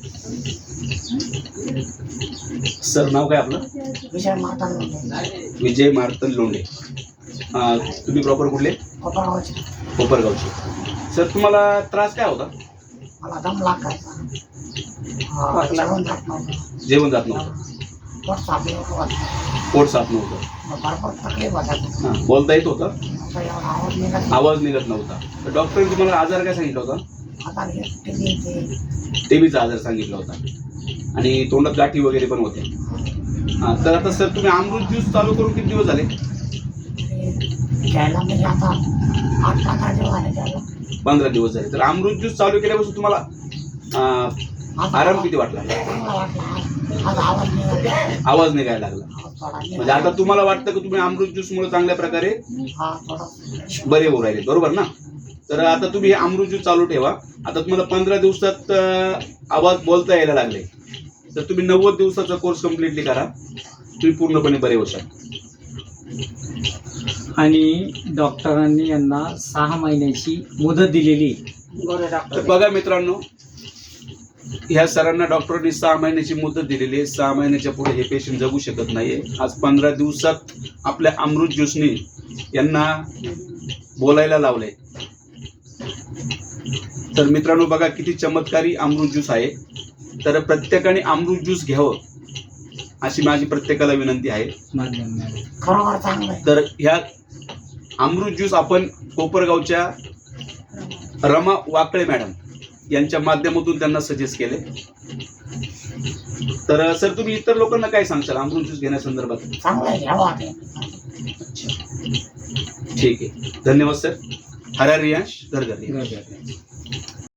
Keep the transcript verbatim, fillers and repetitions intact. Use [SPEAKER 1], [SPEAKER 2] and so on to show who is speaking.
[SPEAKER 1] Sir नाव काय आपलं?
[SPEAKER 2] विजय मार्तन लोंढे.
[SPEAKER 1] विजय मार्तन लोंढे. अं, तुम्ही प्रॉपर कुठले?
[SPEAKER 2] कोपरगावचे.
[SPEAKER 1] कोपरगावचे. सर तुम्हाला त्रास काय होता?
[SPEAKER 2] मला दम लागायचा. हा, जेवण जात नव्हतं.
[SPEAKER 1] जेवण जात नव्हतं,
[SPEAKER 2] पोट साफ नव्हतं.
[SPEAKER 1] पोट साफ नव्हतं,
[SPEAKER 2] मग भरपूर तकलीफ होतात.
[SPEAKER 1] हां बोलता येत होतं,
[SPEAKER 2] आता एवढा आवाज निघत नाही.
[SPEAKER 1] आवाज निघत नव्हता. तर डॉक्टरने तुम्हाला आजार काय सांगितला होता?
[SPEAKER 2] आता हे टीव्ही ते
[SPEAKER 1] टीबीचा आजार सांगितला होता आणि तोंडात गाठी वगैरे पण होत्या. हां तर आता सर तुम्ही अमृत ज्यूस चालू करून किती दिवस झाले?
[SPEAKER 2] घ्यायला म्हणजे आता आठ पंधरा दिवस झाले त्याला.
[SPEAKER 1] पंधरा दिवस झाले. तर अमृत ज्यूस चालू केल्यापासून तुम्हाला अं,
[SPEAKER 2] आता
[SPEAKER 1] आराम किती वाटला?
[SPEAKER 2] चांगला वाटला. आज आज आवाज निघत
[SPEAKER 1] आवाज निघायला लागला.
[SPEAKER 2] आवाज थोडा
[SPEAKER 1] म्हणजे आता तुम्हाला वाटतं की तुम्ही अमृत ज्यूस मुळे चांगल्या प्रकारे
[SPEAKER 2] हा थोडा
[SPEAKER 1] बरे होऊ राहिले, बरोबर ना? तर आता तुम्ही हे अमृत ज्यूस चालू ठेवा. आता तुम्हाला पंधरा दिवसात अं, आवाज बोलता यायला लागले, तर तुम्ही नव्वद दिवसाचा कोर्स कम्प्लिटली करा, तुम्ही पूर्णपणे बरे होशाल.
[SPEAKER 3] आणि डॉक्टरांनी यांना सहा महिन्याची मुदत दिलेली.
[SPEAKER 2] गोरे
[SPEAKER 1] तर
[SPEAKER 2] डॉक्टर.
[SPEAKER 1] बघा मित्रांनो, ह्या सरांना डॉक्टरांनी सहा महिन्याची मुदत दिलेली आहे. सहा महिन्याच्या पुढे हे पेशंट जगू शकत नाहीये. आज पंधरा दिवसात आपल्या अमृत ज्यूसने यांना बोलायला लावलंय. तर मित्रांनो बघा किती चमत्कारी अमृत ज्यूस आहे. तर प्रत्येकाने अमृत ज्यूस घ्यावं अशी माझी प्रत्येकाला विनंती आहे.
[SPEAKER 2] खरोखर चांगलं आहे.
[SPEAKER 1] तर ह्या अमृत ज्यूस आपण कोपरगावच्या रमा वाकळे मॅडम यांच्या माध्यमातून त्यांना सजेस्ट केले. तर सर तुम्ही इतर लोकांना काय सांगशाल अमृत ज्यूस घेण्यासंदर्भात?
[SPEAKER 2] चांगलं आहे, घ्यावं आता.
[SPEAKER 1] ठीक आहे, धन्यवाद सर. हरा रियांश घर घर.